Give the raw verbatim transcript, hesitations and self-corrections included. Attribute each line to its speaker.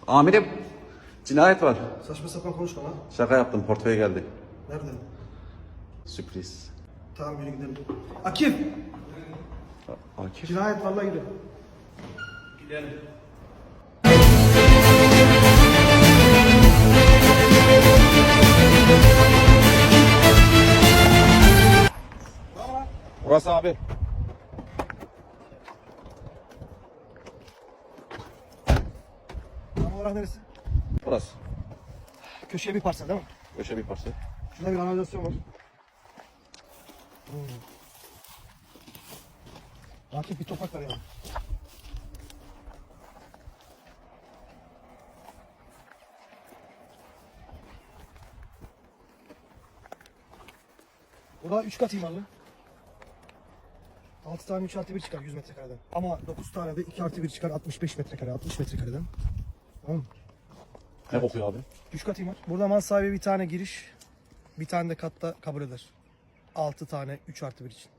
Speaker 1: Amirim, cinayet var.
Speaker 2: Saçma sapan konuşma lan.
Speaker 1: Şaka yaptım, portföy geldi.
Speaker 2: Nerede?
Speaker 1: Sürpriz.
Speaker 2: Tamam yürü gidelim. Akif!
Speaker 1: Akif.
Speaker 2: Cinayet vallahi gidiyor.
Speaker 1: Gidelim. Burası abi.
Speaker 2: Tam olarak neresi?
Speaker 1: Burası.
Speaker 2: Köşeye bir parsel değil mi?
Speaker 1: Köşe bir parça.
Speaker 2: Şurada bir kanalizasyon var. Hmm. Akif bir topak var ya. Bu da üç kat imarlı. altı tane üç artı bir çıkar yüz metrekareden. Ama dokuz tane de iki artı bir çıkar altmış beş metrekare, altmış metrekareden. Tamam mı?
Speaker 1: Ne kokuyor abi?
Speaker 2: üç kat imar. Burada mal sahibi bir tane giriş, bir tane de katta kabul eder. altı tane üç artı bir için.